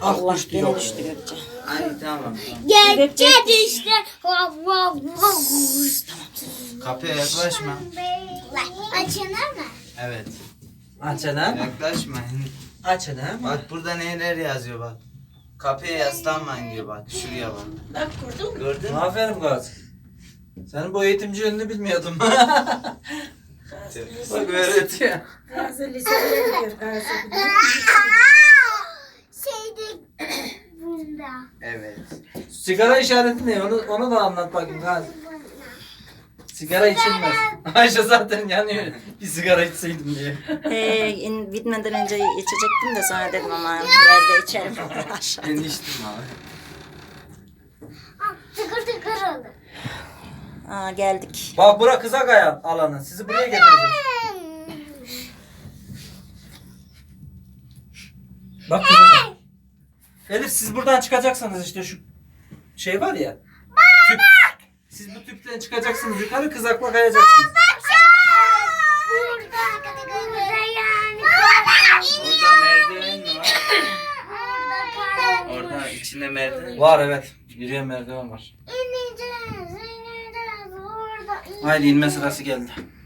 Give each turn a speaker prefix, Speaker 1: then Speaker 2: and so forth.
Speaker 1: Allah
Speaker 2: düştü,
Speaker 1: gene
Speaker 2: yok.
Speaker 1: düştü Gökçe.
Speaker 3: Ay tamam.
Speaker 4: Gökçe düştü. Tamam.
Speaker 3: Kapıya yaklaşma.
Speaker 4: Açılır mı?
Speaker 3: Evet.
Speaker 2: Açana.
Speaker 3: Yaklaşma.
Speaker 2: Açana.
Speaker 3: Bak burada neler yazıyor bak. Kapıya yaslanmayın diyor bak. Şuraya bak.
Speaker 1: Bak kurdun mu?
Speaker 3: Gördün mü?
Speaker 2: Aferin kız. Senin bu eğitimci yönünü bilmiyordum. Bak öğretiyor.
Speaker 1: Gazi liseye gidiyor. Gazi.
Speaker 4: Şeyde bunda.
Speaker 3: Evet.
Speaker 2: Sigara işareti ne? Onu da anlat bakayım kız. Sigara içilmez. Ayşe zaten yanıyor. Bir sigara içseydim diye.
Speaker 1: Bitmeden önce içecektim de sonra dedim ama yerde içerim. Aşağı.
Speaker 3: Ben içtim abi.
Speaker 4: Tıkır tıkır olur.
Speaker 1: Aa, geldik.
Speaker 2: Bak bura kızak alanı. Sizi buraya getireceğiz. Bak kızak. Elif siz buradan çıkacaksınız işte şu şey var ya. Tüp. Siz bu tüpten çıkacaksınız yukarı kızakla kayacaksınız.
Speaker 3: Orada merdiven mi var? Orada içinde merdiven.
Speaker 2: Var evet. Yürüyen merdiven var.
Speaker 4: İneceğiz, ineceğiz, orada
Speaker 2: Haydi inme sırası geldi.